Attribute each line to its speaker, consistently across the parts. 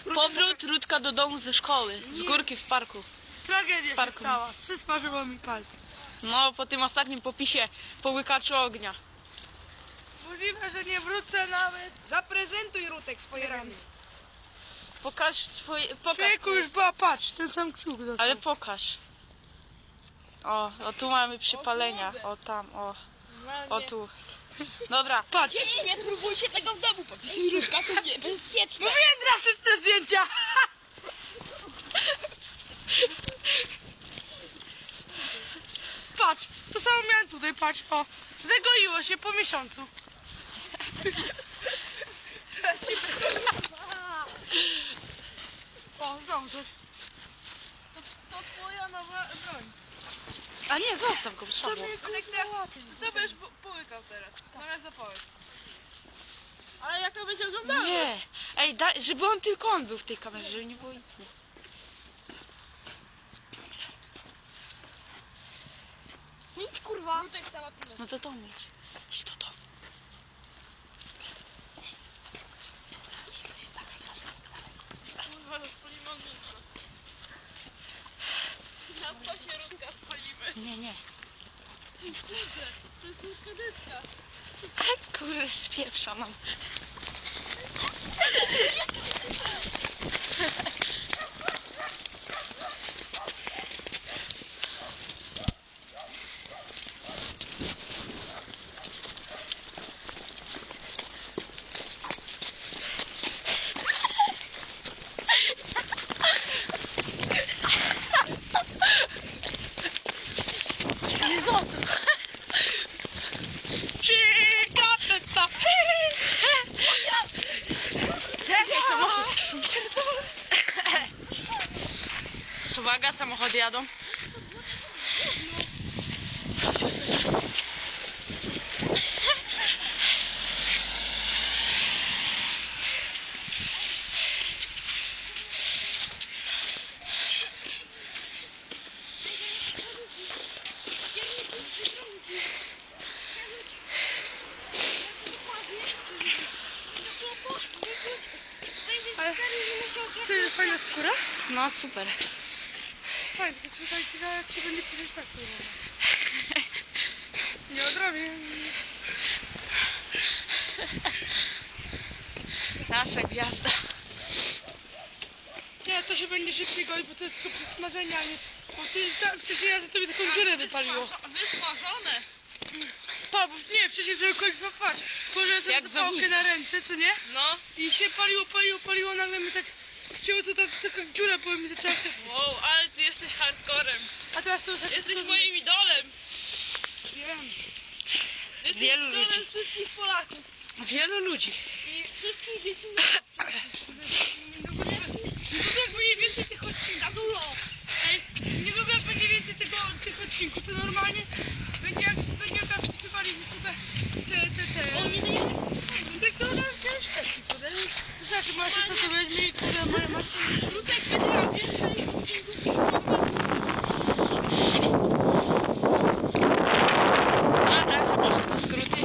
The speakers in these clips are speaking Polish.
Speaker 1: Powrót Rutka do domu ze szkoły, z górki w parku.
Speaker 2: Tragedia się stała. Przysparzyło mi palce.
Speaker 1: No, po tym ostatnim popisie połykaczu ognia.
Speaker 2: Możliwe, że nie wrócę nawet.
Speaker 3: Zaprezentuj, Rutek, swoje rany.
Speaker 1: Pokaż swoje... Pokaż.
Speaker 2: Człowieku już była, patrz, ten sam kciuk dostał.
Speaker 1: Ale pokaż. O tu mamy przypalenia. O tam, o tu. Dobra.
Speaker 2: Patrz.
Speaker 3: Dzieci, nie próbujcie tego w domu, popisy Rutka są niebezpieczne.
Speaker 2: Mówiłem drastyczne zdjęcia. Patrz, to samo miałem tutaj, patrz, o. Zagoiło się po miesiącu. O, znowu coś.
Speaker 3: To twoja nowa broń.
Speaker 1: A nie, zostaw go, trzeba było.
Speaker 2: Co będziesz połykał teraz? Zamiast zapałek. Ale jak to będzie oglądało?
Speaker 1: Nie. Ej, żeby tylko on był w tej kamerze, żeby nie było innych.
Speaker 3: Nic, kurwa. Rutek samotny.
Speaker 1: No to myć. Idź do domu.
Speaker 2: Kurwa, rozpalimy ognisko. Na stosie Rutka spalimy.
Speaker 1: Nie.
Speaker 2: To jest Rutka deska.
Speaker 1: Kurde, spieprza nam. Nie zostaw. Czekaj, samochód. Uwaga, samochody jadą.
Speaker 2: Czy fajna skóra?
Speaker 1: No super.
Speaker 2: Fajnie, tylko tutaj jak się będzie pisać tak nie odrobię.
Speaker 1: Nasza gwiazda.
Speaker 2: Nie, to się będzie szybciej golić, bo to jest tylko przesmażenie, a nie... Bo ty tak wcześniej ja to mi taką dziurę wypaliło.
Speaker 3: Wysmażone.
Speaker 2: Pa, bo nie, przecież żeby kogoś patrz. Położyłem sobie
Speaker 1: Jak
Speaker 2: tę pałkę
Speaker 1: zownica.
Speaker 2: na ręce, co nie?
Speaker 3: No.
Speaker 2: I się paliło, nagle mi tak... Chciało to tak, taka dziura, bo mi zaczęła się...
Speaker 3: Wow, ale ty jesteś hardcorem.
Speaker 2: A teraz to już...
Speaker 3: Jesteś moim idolem.
Speaker 2: Wiem.
Speaker 3: Jesteś
Speaker 1: Wielu
Speaker 3: idolem
Speaker 1: ludzi.
Speaker 3: wszystkich Polaków.
Speaker 1: Wielu ludzi.
Speaker 3: I wszystkich dzieci.
Speaker 2: Nie lubię jak będzie więcej tych odcinków.
Speaker 3: Za dużo.
Speaker 2: Ej, nie lubię jak będzie więcej tych odcinków. To normalnie będzie jak wpisywali w YouTube te.
Speaker 3: On nie daje.
Speaker 2: Tak to nam się szkodzi, kurde. Znaczy, masz co to weźmie i kurde, masz...
Speaker 3: Rutek będzie miał więcej odcinków.
Speaker 1: A teraz poszedł na skróty.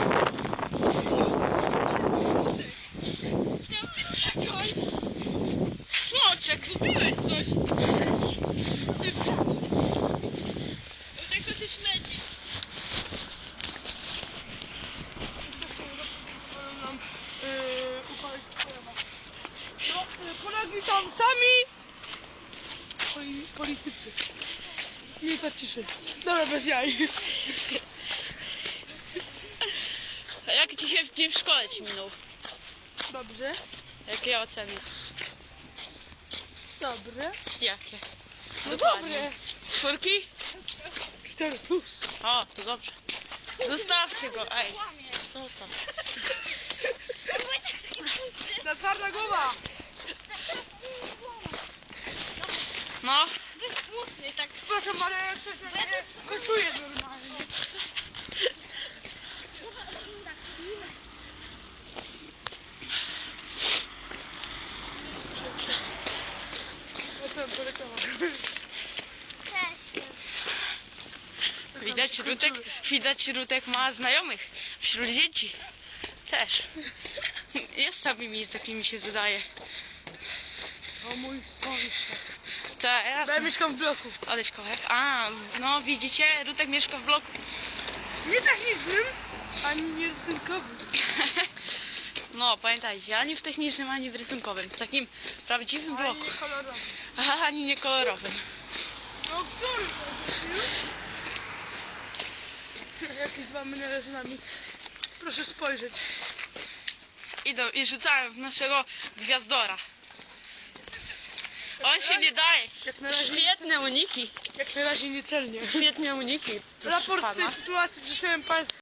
Speaker 3: Czekaj.
Speaker 1: Smoczek.
Speaker 3: Kupiłeś coś. Rutek to cię śledzi.
Speaker 2: nam upalić pojawa. No, Polaki tam sami! Politycy. Minuta ciszy. Dobra, bez jaj.
Speaker 1: A jak dzisiaj dzień w szkole ci minął?
Speaker 2: Dobrze.
Speaker 1: Jakie oceny?
Speaker 2: Dobre.
Speaker 1: Jakie?
Speaker 2: No
Speaker 1: Dokładnie.
Speaker 2: dobre.
Speaker 1: Czwórki?
Speaker 2: 4+.
Speaker 1: O, to dobrze. Zostawcie go, ej. Zostaw.
Speaker 2: Na twarda głowa.
Speaker 1: No.
Speaker 3: Bezpłatny, tak.
Speaker 2: Przepraszam, ale jak ktoś mnie kosztuje normalnie. O co poleciało?
Speaker 1: Widać Rutek ma znajomych wśród dzieci. Też. Ja z samymi takimi się zadaję.
Speaker 2: O mój sąsiad.
Speaker 1: To
Speaker 2: Ja
Speaker 1: jasne.
Speaker 2: mieszkam w bloku.
Speaker 1: Odejdź kołek. A, no widzicie, Rutek mieszka w bloku.
Speaker 2: Nie technicznym, ani nie rysunkowym.
Speaker 1: No, pamiętajcie, ani w technicznym, ani w rysunkowym. W takim prawdziwym
Speaker 2: Ani
Speaker 1: bloku.
Speaker 2: nie kolorowym.
Speaker 1: Aha, ani nie kolorowym.
Speaker 2: No który to jest? Jakieś dwa menele z nami. Proszę spojrzeć.
Speaker 1: Idą i rzucają w naszego gwiazdora. On się nie daje.
Speaker 2: Jak na razie,
Speaker 1: Świetne uniki.
Speaker 2: jak na razie niecelnie.
Speaker 1: Świetne uniki. proszę
Speaker 2: Raport z tej
Speaker 1: pana.
Speaker 2: sytuacji przeczytałem